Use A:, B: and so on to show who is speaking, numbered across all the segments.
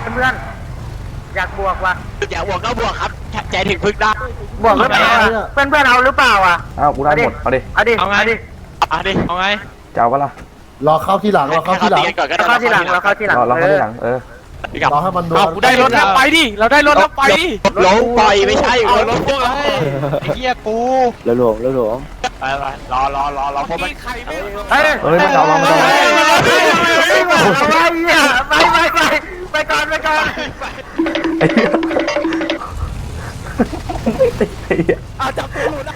A: เพื่อนอยากบวกว่ะ
B: อยากบวกก็บวกครับใจถึงพึ่งได้
A: บวกหรือเปล่าเพื่อนเอาหรือเปล่าอ่ะ
C: อ้าวกูได้หมดเอาดิ
A: เอาไง
B: เอาไง
C: จะเอาปะล่ะ
D: รอเข้าที่หลังรอเข้าที่หลัง
A: เราเข้าที่หลังเราเข้าที่หลัง
C: รอเข้าที่หลัง
D: รอให้มันโดน
B: กูได้รถแล้วไปดิเราได้รถแล้วไปดิลงปล่อยไม่ใช่รถพวกเราไอ้เหี้ยกู
D: แล้วหลวง
B: ไปรอพวกมัน
A: เฮ้ย
C: มันเอามา
A: ไปก่อน
C: ไอ้เหี้ยไอ้เหี้ย
B: เอาจับตัวหลุด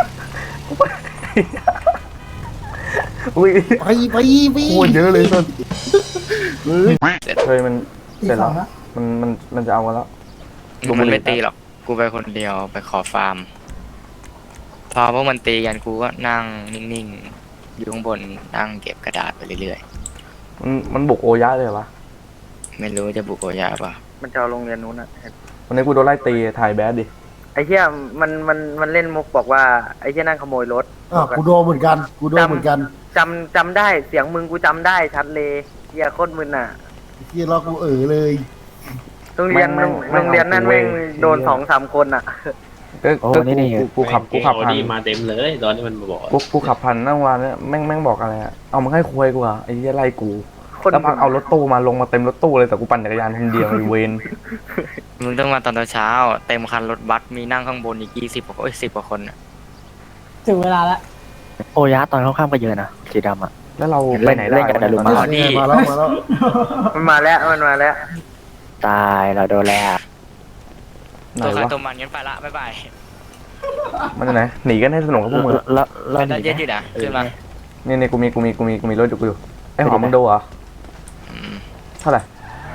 C: อุ้ย
D: ไป
C: โคตรเยอะเลยต้น
E: เ
C: เฮ้ยมันเสร็จแล้วมันจะเอากันแล้ว
E: มันไม่ตีหรอกกูไปคนเดียวไปขอฟาร์มพอพวกมันตีกันกูก็นั่งนิ่งๆอยู่ข้างบนนั่งเก็บกระดาษไปเรื่อย
C: มันบุกโอยะเลยวะ
E: ๆไม่รู้จะบุกโอยาป่ะ
A: มันจะเอาโรงเรียนนู้นอ่ะ
C: วันนี้กูโดนไล่ตีถ่ายแบดดิ
A: ไอ้เหี้ยมันเล่นมุกบอกว่าไอ้เหี้ยนั่งขโมยรถ
D: กูโดนเหมือนกัน
A: จำได้เสียงมึงกูจำได้ชัดเลยเหี้ยโคตรมึนอ่ะ
D: ที่รอกูเลย
A: โรงเรียนนั่นแม่งโดน2-3 คนอ่ะ
C: กูขับผ่าน
F: มาเต็มเลยตอนที่มันมาบอก
C: กูขับผ่านนั่งวันเนี่ยแม่งบอกอะไรอะเอามึงให้คุยกูอะไอ้เหี้ยไล่กูแล้วพักเอารถตู้มาลงมาเต็มรถตู้เลยแต่กูปั่นจักรยานคนเดียวไอ้เวน
E: มึงต้องมาตอนเช้าเต็มคันรถบัสมีนั่งข้างบนอีก20 กว่า10 กว่าคนน่ะ
G: ถึงเวลาแล้วโอยะตอนเข้าข้ามก็เยอะนะสีดำอ่ะ
C: แล้วเราไปไหนได้
D: มาแล้ว
A: มันมาแล้ว
G: ตายเราโดนแล้ว
C: ไหน
E: ตัวใคร
C: วะ
E: ตัวมันงั้นไปละบ๊ายบาย
C: มันไหนหนีกันให้สนุกกับพวกมึง
G: แล้ว
E: เป็นได้เยอะอยู่นะขึ้นมา
C: นี่กูมีรถอยู่ไอ้หอมมึงดูเหรอเท่าไหร่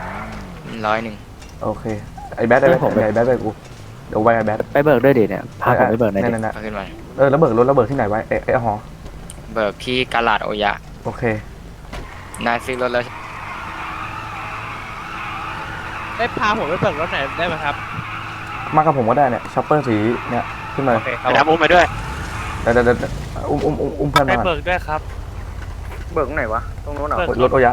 E: 100
C: โอเคไอ้แบดได้ไหมไอ้แบดไปกูเดี๋ยวไว้ไอ้แบด
G: ไปเบิกด้วยดิเนี่ยพาผมไปเบิกหน่อยดิ
C: นั่น
E: เอาขึ้นมา
C: แล้วเบิกรถแล้วเบิกที่ไหนไว้ไอ้หอ
E: เบิกที่กาลาดโอยะ
C: โอเคน
E: ายซื้อรถแล้ว
B: ได้พาผมไปเบิกรถไหนได้ไหมครับ
C: มากับผมก็ได้เนี่ยช็อปเปอร์สีเนี่ยขึ้นมา
B: โอเคครับ
E: ไปทำอุ้มไปด้วย
C: เดี๋ยวอุ้มเพื่อน
B: ได้
C: มา
B: เบิกด้วยครับ
A: เบิกไหนวะตรงนู้นเหรอ
C: รถโอยะ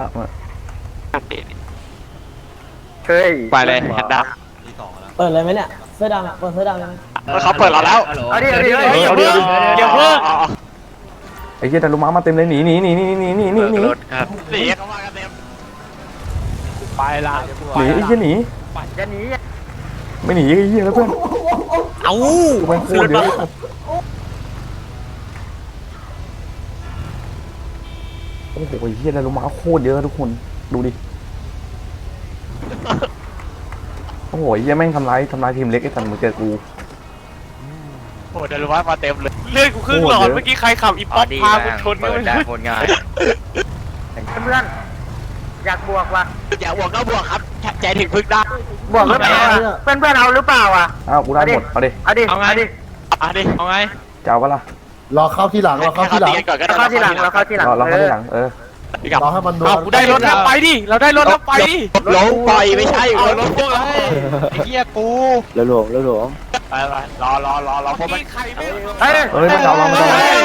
A: เฮ้ย
B: ไปเลยแฮนด์ดับ
G: เปิดเลยไหมเนี่ยเสื้อดำอ่ะเปิดเสื้อดำเลยไหม
B: เขาเปิดเราแล้ว
A: เอาดิ
B: เดี๋ยวเพิ่ง
C: ไอ้เหี้ยแต่ลูกม้ามาเต็มเลยหนี
E: เบิกรถครับ
B: หนีเขามากันเต็มไปละ
C: ไอ้เหี้ยหนี
A: จะหนี
C: ไม่หนีไอ้เหี้ยแล้วเพื่อน
B: เอ้า
C: กูเป็นโคตรเยอะโอ้โหไอ้เหี้ยแต่ลูกม้าโคตรเยอะทุกคนดูดิโอ้โหไอ้เหี้ยแม่งทำร้ายทีมเล็กไอ้สันมึงเจอกู
B: โอ้เดี๋ยวรู้ว่ามาเต็มเลยเลื่อนกูครึ่งหลอดเมื่อกี้ใครขับอีป๊อปพากูชนก็
E: เปิด
B: ไม่
E: ได้
B: รู้
E: โคตรง่าย
A: เพื่อนอยากบวกว่ะ
B: อยากบวกก็บวกครับใจถึงพึ่งได้
A: บวกหรือเปล่าเพื่อนเอาหรือเปล่าอ่ะ
C: อ้าวกูได้หมดเอาดิ
A: เอาดิ
B: เอาไง
C: จะเอาปะล่ะ
D: รอเข้าที่หลังรอเข้าที่หลัง
B: ก่อนก็
A: เรา
B: ได้
A: เข้าที่หลังเราเข้าที่หลัง
C: รอเข้าที่หลัง
D: รอให้มันโดน
B: กูได้รถแล้วไปดิเราได้รถแล้วไปดิ
E: ลงปล่อยไม่ใช่
B: รถพวกเราไอ้เหี้ยกู
G: แล้วหลวง
B: ไปรอพวกมัน
A: เฮ้ย
C: มันเอาเรา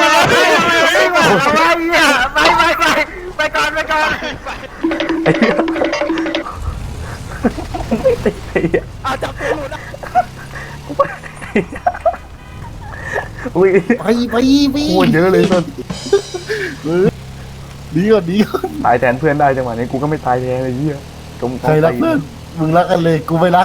A: ไปก่อน
C: ไอ้เหี้ยไอ้เหี้ย
B: เอาจับตัวหลุดนะ
C: อุ้ย
D: ไป
C: โคตรเยอะเลยต้น
D: ดีก่อน
C: ตายแทนเพื่อนได้จังหวะนี้กูก็ไม่ตายแทนไอ้เหี้ยจม
D: ใครรักเพื่อนมึงรักกันเลยกูไม่รัก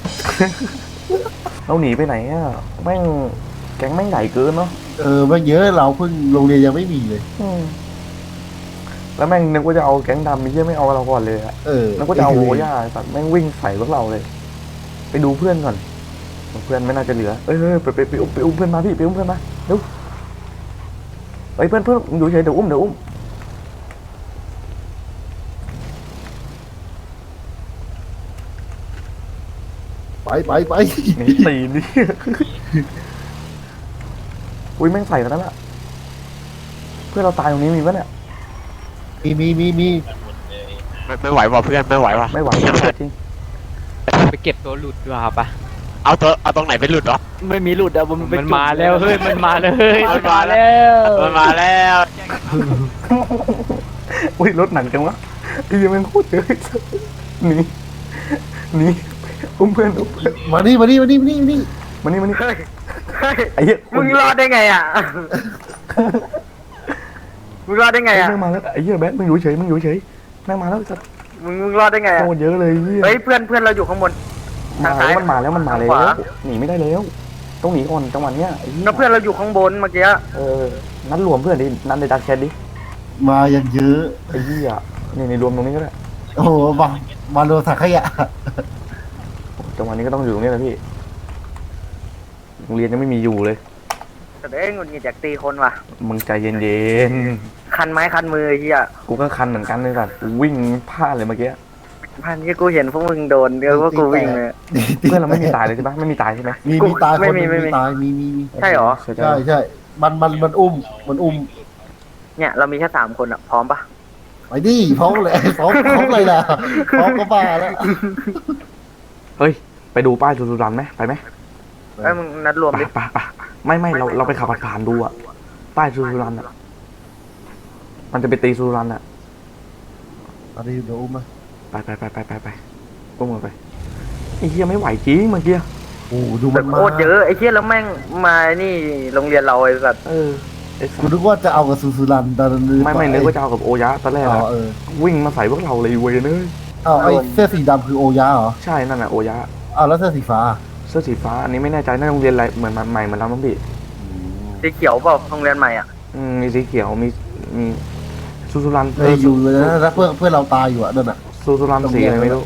C: เราหนีไปไหนอ่ะแม่งแก๊งแม่งใหญ่เกินเนาะ
D: ไม่เยอะเราเพิ่งโรงเรียนยังไม่มีเลย
C: แล้วแม่งนึกว่าจะเอาแก๊งดำไม่ใช่ไม่เอาเราก่อนเลยอะ นึกว่าจะเอาโอย่าสัตว์แม่งวิ่งใส่พวกเราเลย ไปดูเพื่อนก่อนเพื่อนไม่น่าจะเหลือไปอุ้มเพื่อนมาพี่ไปอุ้มเพื่อนมาเร็วเพื่อนอยู่เฉยเดี๋ยวอุ้ม
D: ไป
C: นี่ตีนี่อุ้ยแม่งใส่กันนั่นแหละเพื่อนเราตายตรงนี้มีปะเนี่ย
D: มี
B: ไม่ไหวว่ะเพื่อนไม่ไหวว่ะ
C: ไม่ไหวจริง
B: ไปเก็บตัวหลุดดีกว่าปะเอาตรงไหนไปหลุดเหรอ
G: ไม่มีหลุดอ่ะมันมาแล้วเฮ้ยมันมาเลย
B: มันมาแล้ว
C: อุ้ยรถหนักจังวะไอ้ยังแม่งโคตรเยอะหนีหนีอุ้มเพื่อนอุ้ม
D: มานี่มานี่มานี่มานี่มานี่
C: มานี่มานี่
A: เฮ้ยเฮ้ย
C: ไอ้เหี้ย
A: มึงรอดได้ไงอ่ะ มึงรอดได้ไง
C: ไอ้
A: อ่ะ
C: แม่งมาแล้วไอ้เหี้ยแบทมึงอยู่เฉยมึงอยู่เฉยแม่งมาแล้วสัตว์
A: มึงรอดได้ไงอ่ะ
C: โคตรเยอะเลยเหี้ย
A: เฮ้ยเพื่อนเราอยู่ข้างบน
C: มา
A: ทางซ้าย
C: แล้วมันมาแล้วมันมาแล้
A: ทางข
C: ว
A: วา
C: หนีไม่ได้แล้วต้องหนีก่อนจังหวะเนี้ยไอ้เหี้ย
A: แล้วเพื่อนเราอยู่ข้างบนเมื่อกี้
C: นัดรวมเพื่อนดินัดในดักแชทดิ
D: มายังเยอะ
C: ไอ้เหี้ยนี่ในรวมตรงนี้ก็ได้
D: โอ้โหมาโดนถังขยะ
C: จังหวะนี้ก็ต้องอยู่ตรงนี้แหละพี่โรงเรียนยังไม่มีอยู่เลย
A: แต่เอ้ยหงุดหงิดจากตีคนว่ะ
C: มึงใจเย็น
A: คันไม้คันมือไอ้เฮีย
C: ๆกูก็คันเหมือนกันเลยสัตว์กูวิ่งพลาดเลยเมื่อกี้
A: พันที่กูเห็นพวกมึงโดนเดี๋ยวว่ากูวิ่งเลย
C: เพื่อนเราไม่มีตายเลยใช่ปะไม่มีตายใช่ไหม
D: มีตายคน
A: ไม่
D: ห
A: มี
D: นึ่ง
A: ไม่มี
D: มีตายมี
A: ใช่เหรอ
C: ใช่
D: ใช่ใช่มันอุ้ม
A: เนี่ยเรามีแค่3 คนอ่ะพร้อมปะ
D: ไปดิพร้อมเลยพร้อมเลยล่ะพร้อมก็บ้าแล้ว
C: เฮ้ยไปดูป้ายสุรันไหมไปไหม
A: เอ้ยมึงนัดรวม
C: ไป
A: ดิ
C: ไปไม่เราไปขับผ่านๆดูอะป้ายสุรันอะมันจะไปตีสุรันอะ
D: เอาดิเดี๋ยวอุ้มมา
C: ไปก้มลงไปไอ้เหี้ยไม่ไหวจริงเมื่อกี้
D: โอ้ดู
A: แบ
D: มัน
A: บ
D: มา
A: โคตรเยอะไอ้เฮียแล้วแม่งมานี่โรงเรียนเราไอ้สัตว์
C: ไอ้สั
D: กู
C: ส
D: นึกว่าจะเอากับซูรันตอนนั้น
C: ไม่นึกว่าจะเอากับโอยะตอนแรก
D: อ๋
C: อะ
D: อ
C: วิ่งมาใส่พวกเราเลยเว้ยเนย
D: เอาไอ้เสื้อสีดำคือโอยะเหรอ
C: ใช่นั่นน่ะโอยะ
D: เอาแล้วเสื้อสีฟ้า
C: เสื้อสีฟ้าอันนี้ไม่แน่ใจน่าโรงเรียนอะไรเหมือนใหม่เหมือนเราต้องพี่
A: สีเขียวเปล่าโรงเรียนใหม่อ่ะ
C: มีสีเขียวมีสุรัน
D: เลยอยู่เลยนะแล้วเพื่อนเราตายอยู่อ่ะนั่นอ่ะ
C: สุรันสีอะไรไม่รู้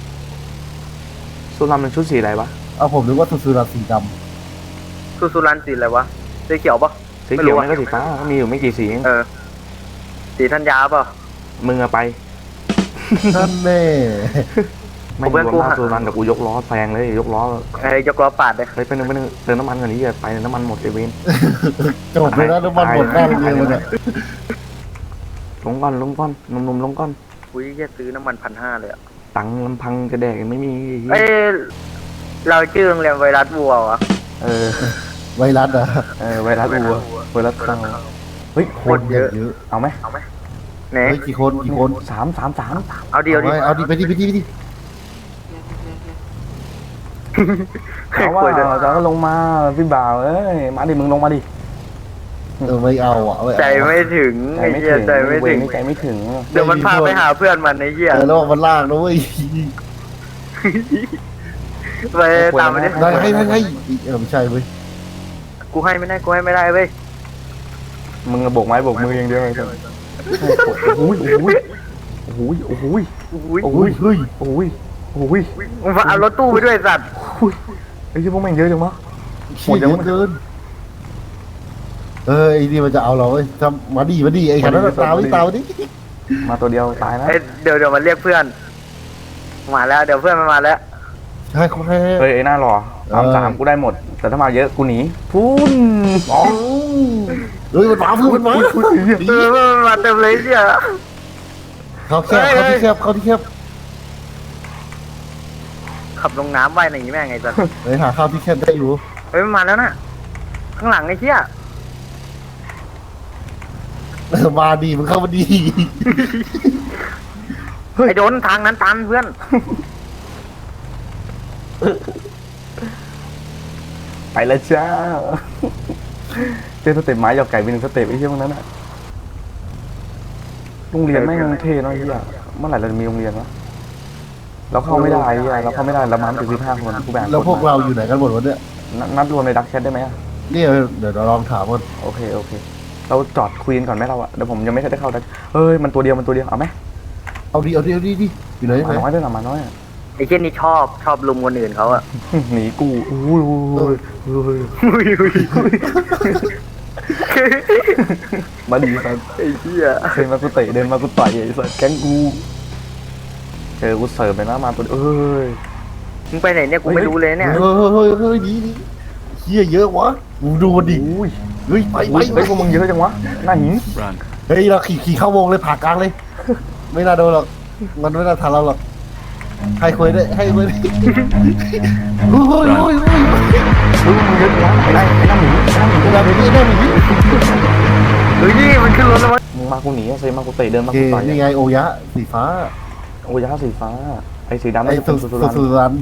C: สุรันมันชุดสีอะไรวะ
D: เอาผมนึกว่าซูรันสีด
A: สุรันสีอะไรวะสีเขียวปะ
C: สีเขียวไม่ก็สีฟ้าก็มีอยู่ไม่กี่สีเอง
A: สีธัญญาเปล่า
C: มึงอะไป
D: ำนั่นแน่
C: ไม่รวมหน้าสุรันแต่กูยกล้อแซงเลยยกล้อย
A: กล้อปาดเลย
C: เฮ้ยไปหนึ่งเติมน้ำมันก่อนนี้ไปน้ำมันหมดไอเวน
D: จบเลยนะน้ำมันหมดหน้าโรงเรียนมันอ่ะ
C: ลงก้อนหนุ่มลงก้อน
A: อุ้ยแค่ซื้อน้ำมัน1,500เลยอ่ะ
C: ตังค์ลำพังจะแดกยังไม่มี
A: เอ้ยเราชื่อโรงเรียนไวรัสวัววะ
D: ไวรัสอ่ะ
C: ไวรัสวัวไวรัสเข้าเฮ้ย
D: คนเยอะ
C: เอาไหม
A: ไหน
D: เฮ้ยกี่คน
C: สาม
A: เอาเดียวดิ
D: เอาดิไปดิ
C: เอาว่าจะก็ลงมาพี่บ่าวเอ้ยมาดิมึงลงมาดิ
D: ไม่เอาอ่ะ
A: ใจไม่ถึงไอ้เหี้ยใจไม่ถึง
C: ใจไม่ถึง
A: เดี๋ยวมันพาไปหาเพื่อนมันไอ้เหี้ย
D: แล้วมันลากนะเว้ย
A: ไปตามมันดิ
D: ได้ให้ไม่ใช่เว้ย
A: กูให้ไม่ได้กูให้ไม่ได้เว้ย
C: มึงโบกไม้โบกมืออย่างเดียวเลยโอ้ย
A: มึงเอารถตู้ไปด้วยสัตว์
C: ไอ้ที่พวกแม่งเยอะจังวะ
D: โหดเกินไอ้นี่มันจะเอาเราเว้ยทำมาดีไอ้ขันนั้นตาวดิ
C: มาตัวเดียวตายนะ
A: เดี๋ยวมันเรียกเพื่อนมาแล้วเดี๋ยวเพื่อนมันมาแล้ว
D: ใช่เขาให้
C: เฮ้ยไอ้หน้ารอ3กูได้หมด แต่ถ้ามาเยอะกูหนีพุ่นอ๋อ
D: เฮ้ยมันมามันมา
A: มันมาเต็มเลยเนี่ย
D: เขาที่แคบ
A: ขับลงน้ำว่ายอย่างนี้แม่งไงสัตว์
D: เฮ้ยหาข้าวที่แคบได้อยู่
A: เฮ้ยมันมาแล้วน่ะข้างหลังไอ้เหี้ย
D: มาดีมันเข้ามาดี
A: ไอ้โดนทางนั้นตันเพื่อน
C: ไปแล้วจ้าเจอสเต็ปไม้หยอกไก่เป็น1สเต็ปไอ้เหี้ยพวกนั้นอะโรงเรียนแม่งเท่เนาะไอ้เหี้ยเมื่อไหร่เราจะมีโรงเรียนวะเราเข้าไม่ได้ไอ้เหี้ยเราเข้าไม่ได้เรามาถึง15 คนกูแบ่ง
D: แล้วพวกเราอยู่ไหนกันหมดวะเนี่ย
C: นัดรวมในดักแชทได้ไหม
D: เนี่ยเดี๋ยวเราลองถามกัน
C: โอเคเราจอดคุยกันก่อนไหมเราอะเดี๋ยวผมยังไม่ได้เข้าดักเฮ้ยมันตัวเดียวเอาไหม
D: เอาดิอยู่ไหน
C: มาน้อยด้วยนะมาน้อยอะ
A: ไอ้เช่นนี้ชอบลุมคนอื่นเขาอะ
C: หนีกูอุ้ยมาดีสัส
A: ไอ้เหี้ย
C: เดินมากูเตะเดินมากูต่อยไอ้สัสแก๊งกูเจอกูเสิร์ฟไปนะมาตัวเอ้ย
A: มึงไปไหนเนี่ยกูไม่รู้เลยเนี่ย
D: เฮ้ยดีเฮียเยอะวะดูดิ
C: อุ้ย
D: เฮ้ยไป
C: เฮ้ยพวกมึงเยอะจังวะหน้าหิน
D: เฮ้ยเราขี่เข้าวงเลยผ่ากลางเลย ไม่น่าโดนหรอกมันไม่น่าทันเราหรอกให้คุยได้ให้คุยได้โอ้ย
C: มึงเยอะจังวะไอ้หน้าหิน
D: ได้หนี
A: เฮ้ยมันขึ้นรถแล้วมั้ง
C: มึงมากูหนีเซมากูเตะเดินมา
D: โอเค
C: กูต่อย
D: นี่ไงโอยะสีฟ้า
C: โอ้ยาสีฟ้าอ้สีดำ
D: ไอ้
C: น่าจะเป็นสุรัน
D: สุรัน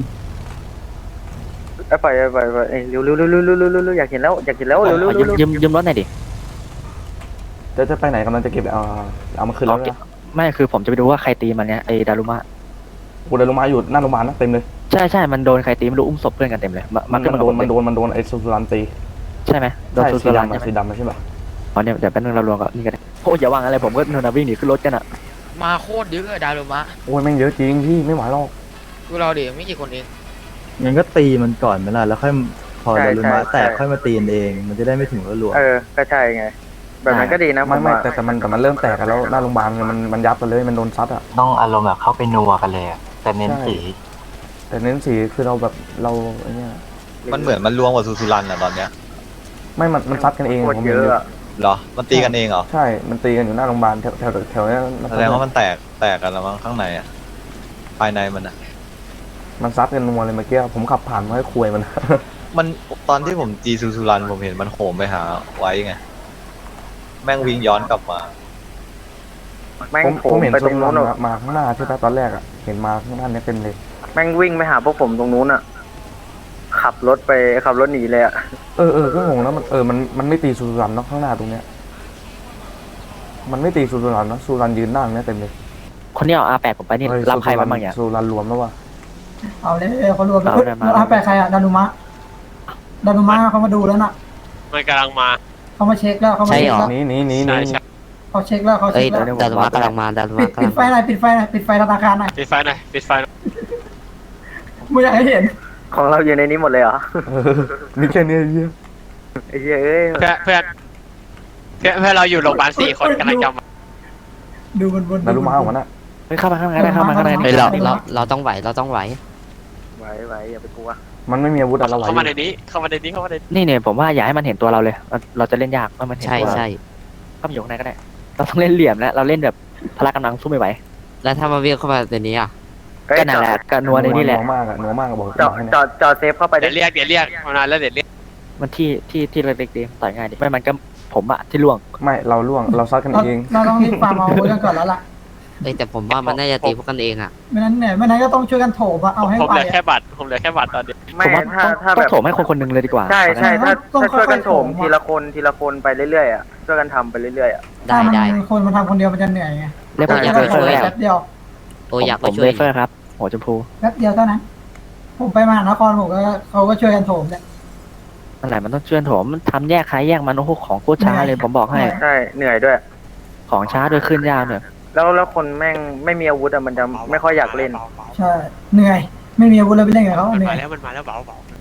A: ไปเอ้ยเร็วอยากเห็นแล้วอยากเห็นแล้วเร็ว
G: ยืมรถหน่อยดิ
C: จะไปไหนกำลังจะเก็บเอามาคืนแล้วนะ
G: ไม่คือผมจะไปดูว่าใครตีมันเนี้ยไอ้ดารุมะ
C: กูเดินลงมาอยู่หน้าโรงพยาบาลนะเต็มเลย
G: ใช่มันโดนใครตีไม่รู้อุ้มศพเพื่อนกันเต็มเลย
C: มันโดนไอ้สุรันตี
G: ใช่ไหมโดน
C: ใช่
G: สุ
C: สี
G: รัน
C: ดำ
G: ใช่ไหม
C: สีดำใช่ปะ
G: อ๋อเนี่ยเดี๋ยวแป๊บนึงเรารวมกับนี่กันโอ้ยอย่าวางอะไรผมก็นอนวิ่งหนีขึ้นรถกันอ่ะ
E: มาโคตรเยอะอะดารุมะ
C: โอ้ยแม่งเยอะจริงพี่ไม่ไหวหรอก
E: พวกเราดิไม่กี่คนเอง
H: งั้นก็ตีมันก่อนไหมล่ะแล้วค่อยพอดารุมะแตกค่อยมาตีกันเอง มันจะได้ไม่ถึงรัว
A: ก็ใช่ไงแบบนั้นก็ดีนะ
C: ไม่แต่มันเริ่มแตกกันแล้วหน้าโรงพยาบาลมันยับกันเลยมันโดนซัดอ่ะ
I: ต้องอารมณ์แบบเข้าไปนัวกันเลยอะแต่เน้นสี
C: แต่เน้นสีคือเราแบบเราไอ้เนี่ย
J: มันเหมือนมันรวมกับซูซูรันอะตอนเนี้ย
C: ไม่มันซัดกันเอง
A: โคต
C: ผม
A: รเย
C: เห็น
A: อะ
C: อยู่
A: อะ
J: เหรอ มันตีกันเองเหรอ
C: ใช่มันตีกันอยู่หน้าโรงพยาบาลแถวเนี้ย
J: แสดงว่ามันแตกกันแล้วมั้งข้างในอะภายในมันอะ
C: มันซัดกันนัวเลยเมื่อกี้ผมขับผ่านมาให้คุยมัน
J: มันตอนที่ผมจีซูซูรันผมเห็นมันโหมไปหาไว้ไง แม่งวิ่งย้อนกลับมา
A: แม่ง
C: ผมเห็น
A: ไป
C: สุ
A: ตรง
C: รั
A: นู้
C: น
A: นอะ
C: มาข้างหน้าใช่ปะตอนแรกอ่ะเห็นมาข้างหน้าเนี้ยเต็มเลย
A: แม่งวิ่งไปหาพวกผมตรงนู้นอะขับรถหนีเลยอะ
C: ก็งงแล้วมันไม่ตีสุรันเนาะข้างหน้าตรงเนี้ยมันไม่ตีสุรันเนาะสุรันยืนนั่งเนี้ยเต็มเลย
G: คนที่เอา R8 ผมไปนี่รับใครมาบ้างอย่าง
C: สุรันรวมแล้ววะ
K: เอาเลยเขารวม
G: เอาเลยมา
K: แล้วไปใครอะดารุมะเขามาดูแล้วน่ะ
B: มันกำลังมา
K: เขามาเช็คแล้วเขามาเช็คแล้ว
C: หนี
B: ใช่ใช่
K: เขาเช็คแล้วเขาเช็คแล้ว
G: ดารุมะกำลังมา
K: ปิดไฟหน่อยปิดไฟธนาคารหน่อย
B: ปิดไฟหน่อยปิดไฟหน่อย
K: ไม่อยากให้เห็น
A: ของเราอยู่ในนี้หมดเลยเหรอ
C: มีแค่เนี้ยเหี้ย
A: ไอ้เหี้ยเอ้ย
B: เพื่อนเราอยู่โรงพยาบาล4 คนกำลังจะมา
K: ดูบน
C: ดารุมาของมันอะ
G: เฮ้ยเข้ามาข้างในได้เข้ามาข้างใน
K: เฮ้ยเรา
G: ต้องไหว
A: ไหวอย่าไปกลัว
C: มันไม่มีอาวุธอะไร
B: เข้ามาในนี้เข้ามาในนี้
G: นี่เนี่ยผมว่าอย่าให้มันเห็นตัวเราเลยเราจะเล่นยากว่ามันเห็นตัวเราเข้าไปอยู่ข้างในก็ได้เราต้องเล่นเหลี่ยมแล้วเราเล่นแบบพละกำลังสู้ไม่ไหว
I: แล้วถ้ามาเวียงเข้ามาในนี้อ่ะ
G: ก็นั่นแหละก็นัวในนี่แหละ
C: นัวมากอะบอก
A: จอดเซฟเข้าไป
B: เดี๋ยวเรียกมานานแล้วเดี๋ยวเรียก
G: มันที่เล็กๆดีต่อยง่ายดีไม่มันก็ผมอะที่ล่วง
C: ไม่เราล่วงเราซัดกันเอง
K: เราต้องรีบฟาร์มเอาไว้กันก่อนแล้วล่ะ
I: แต่ผมว่ามันน่าจะตีพวกกันเองอ่ะ
K: ไม่นั้นก็ต้องช่วยกันโถมเอาให้
B: ผม
K: ไป
B: เหลือแค่บัตรตอนนี้
A: ไม่
G: ผมว่า
A: ถ้า
G: ต้
A: แบ
G: อง
A: บ
G: โถมให้คนหนึ่งเลยดีกว่า
A: ใช่ถ้าช่วยกันโถม
K: ค่อยๆ
A: ทีละคนไปเรื่อยๆอะช่วยกันทำไปเรื่อยๆอะ
I: ได้
K: คนมันทำคนเดียวมันจะเหนื่อยไง
G: เรียกผม
A: ได้
G: เวเฟอร์แล้ว
K: แป๊บเดียว
I: โอ้อยาก
G: ผ
I: ไป
G: ม
I: ช่ว
G: เวย เฟอร์ครับหัวชมพู
K: แป๊บเดียวเท่านั้นผมไปมหานครผมก็เขาก็ช่วยกันโถมเนี่ย
G: นั่นแหละมันต้องเชื่อนโถมมันทำแยกใครแยกมันโอ้โหของโคตรช้าเลยผมบอกให้
A: ใช่เหนื่อยด้วย
G: ของช้าด้วยขึ้นยากเนี่ย
A: แล้วคนแม่งไม่มีอาวุธอะมันจะไม่ค่อยอยากเล่น
K: ใช่เหนื่อย ไม่มีอาวุธเลยไปเล่นกับเขา
B: มัน
K: เหนื่
B: มา
K: อย
B: แล้วเบา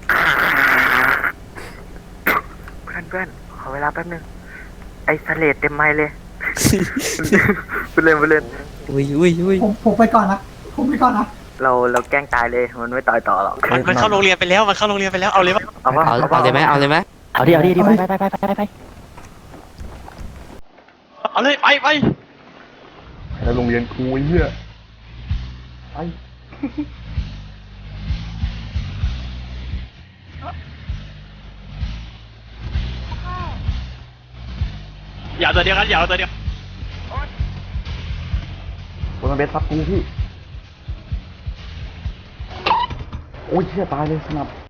A: เพื่อนขอเวลาแป๊บนึงไอ้สเลดเต็มไม้เลยไปเล่น
I: อุ้ย
K: ผมไปก่อนนะ
A: เราแกล้งตายเลยมันไม่ตายต่อหรอก
B: มันเข้าโรงเรียนไปแล้วเอาเลย
A: เอาวะ
I: เอาเลยไหม
G: เอาดิไป
B: เอาเลยไป
C: แล้วโรงเรียนกูเหี้ยไอ้
B: อย่าตัวเดียวกันอย่าตัวเดียว
C: คนมันเบสซับกูพี่โอ้ยเชี่ยตายเลยสนับ